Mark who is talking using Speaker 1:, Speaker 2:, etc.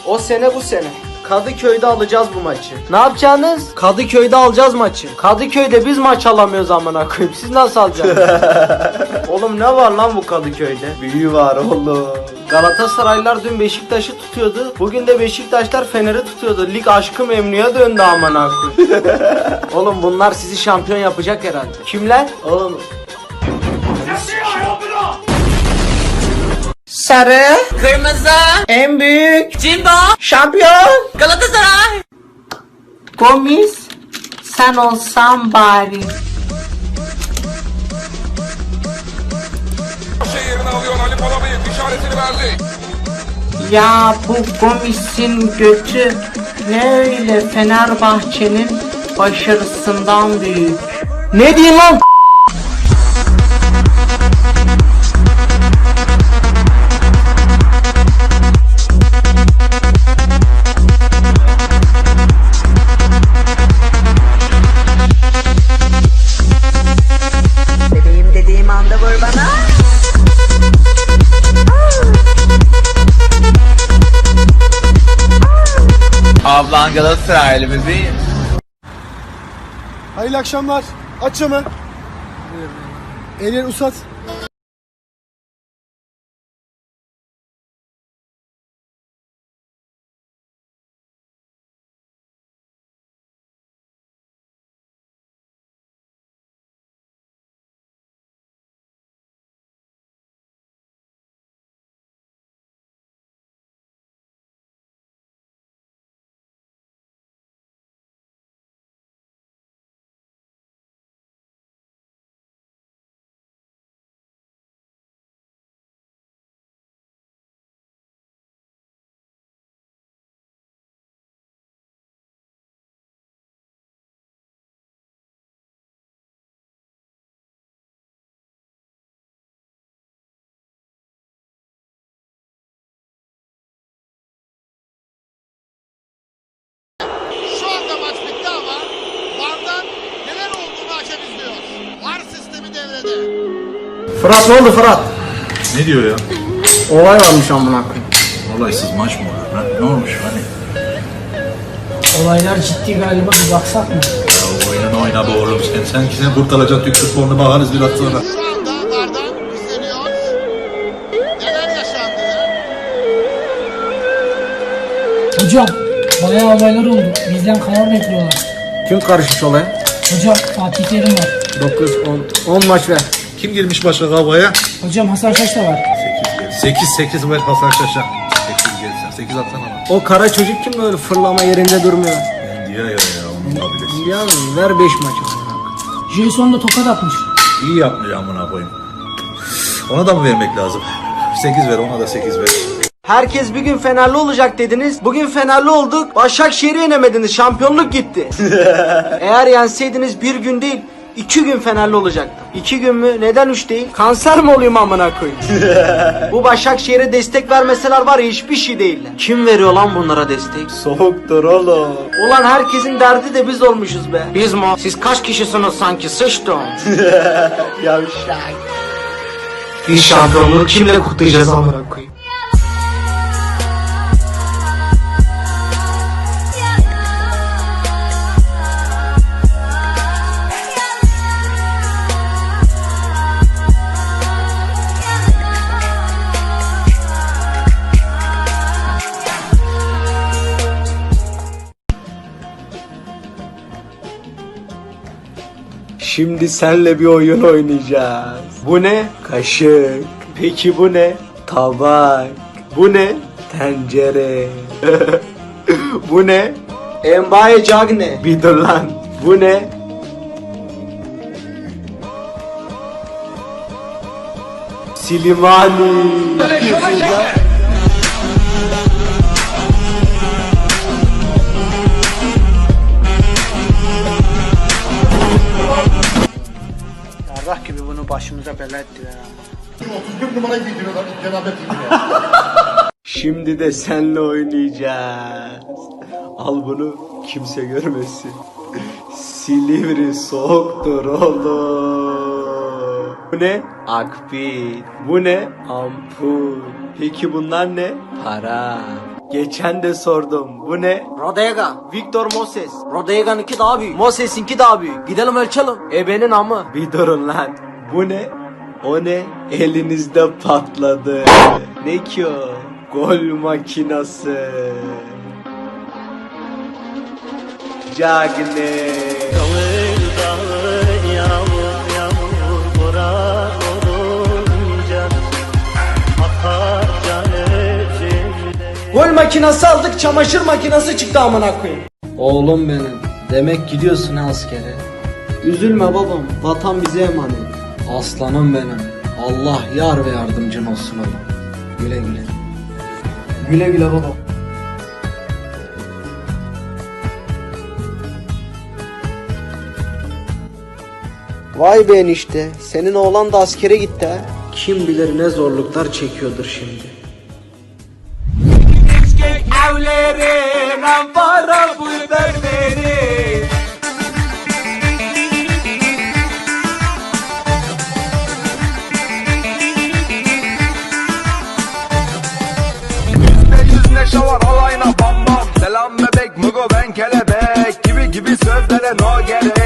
Speaker 1: O sene bu sene. Kadıköy'de alacağız bu maçı. Ne yapacaksınız? Kadıköy'de alacağız maçı. Kadıköy'de biz maç alamıyoruz amına koyayım. Siz nasıl alacaksınız? Oğlum ne var lan bu Kadıköy'de? Büyü var oğlum. Galatasaraylılar dün Beşiktaş'ı tutuyordu. Bugün de Beşiktaşlar Fener'i tutuyordu. Lig aşkı memnuya döndü amına koyayım. Oğlum bunlar sizi şampiyon yapacak herhalde. Kimler? Oğlum. Sarı,
Speaker 2: Kırmızı,
Speaker 1: en büyük,
Speaker 2: Jimbo,
Speaker 1: şampiyon,
Speaker 2: Galatasaray.
Speaker 1: Gomis, sen olsan bari.
Speaker 3: Yerine alıyor Ali Palabıyık işaretini verdi.
Speaker 1: Ya bu Gomis'in götü ne öyle Fenerbahçe'nin başarısından büyük. Ne diyeyim lan?
Speaker 2: Bebeğim dediğim anda vur bana. Ablan Galatasaraylı bebeğim.
Speaker 4: Hayırlı akşamlar. Aç camı. Elini uzat.
Speaker 5: Şu anda maç bitti ama VAR'dan neler olduğunu hakem izliyor. VAR sistemi devrede.
Speaker 1: Fırat ne oldu Fırat?
Speaker 6: Ne diyor ya?
Speaker 1: Olay varmış amına koyayım.
Speaker 6: Olaysız maç mı olur? Ha? Ne olmuş hani?
Speaker 7: Olaylar ciddi galiba, bir baksak mı?
Speaker 6: Ya oyna be oğlum sen ki sen kurtaracaksın Türk futbolunu bakarız biraz sonra.
Speaker 5: Şu anda VAR'dan izleniyor. Neler yaşandı?
Speaker 7: Hocam bayağı olaylar oldu. Bizden karar bekliyorlar.
Speaker 1: Kim karışmış olaya?
Speaker 7: Hocam Fatih Terim var.
Speaker 1: 9, 10 maç ver.
Speaker 6: Kim girmiş başka kavgaya?
Speaker 7: Hocam Hasan Şaş da var.
Speaker 6: 8 ver Hasan Şaş'a. 8 gelirsen 8 atsana bana.
Speaker 1: O kara çocuk kim böyle fırlama yerinde durmuyor?
Speaker 6: Ben diyor ya onun kabilesi.
Speaker 1: Ya ver 5 maç amına koyayım.
Speaker 7: Jason da tokat atmış.
Speaker 6: İyi yapmış amına koyayım. Ona da mı vermek lazım? 8 ver ona da 8 ver.
Speaker 1: Herkes bir gün Fenerli olacak dediniz. Bugün Fenerli olduk. Başakşehir'i yenemediniz. Şampiyonluk gitti. Eğer yenseydiniz bir gün değil 2 gün Fenerli olacaktım. 2 gün mü? Neden 3 değil? Kanser mi olayım amına koyayım? Bu Başakşehir'e destek vermeseler var ya hiçbir şey değiller. Kim veriyor lan bunlara destek? Soğuktur oğlum. Ulan herkesin derdi de biz olmuşuz be. Biz mi? Siz kaç kişisiniz sanki? Sıçtım. Yavşak. Bir şampiyonluğu kimle kutlayacağız amına koyayım? Şimdi senle bir oyun oynayacağız. Bu ne? Kaşık. Peki bu ne? Tabak. Bu ne? Tencere. Bu ne? Embaye cagne. Bir dur lan. Bu ne? Silimani. Yarrak gibi bunu başımıza bela ettiler ha.
Speaker 5: 31 numarayı giydiriyorlar. Cenab-ı giydiriyor.
Speaker 1: Şimdi de senle oynayacağız. Al bunu kimse görmesin. Silivri soğuktur oğlum. Bu ne? Akbil. Bu ne? Ampul. Peki bunlar ne? Para. Geçen de sordum. Bu ne? Rodega. Victor Moses. Rodega'nınki daha büyük. Moses'inki daha büyük. Gidelim ölçelim. Ebenin amı. Bir durun lan. Bu ne? O ne? Elinizde patladı. Ne ki o? Gol makinası. Cagne. Gol makinası aldık, çamaşır makinesi çıktı amına koyayım. Oğlum benim. Demek gidiyorsun ha askere. Üzülme babam. Vatan bize emanet. Aslanım benim. Allah yar ve yardımcın olsun oğlum. Güle güle. Güle güle baba. Vay be enişte. Senin oğlan da askere gitti ha. Kim bilir ne zorluklar çekiyordur şimdi.
Speaker 3: Yüz neşe var alayına bam bam. Selam bebek mugo ben kelebek. Gibi sözlere no gerek.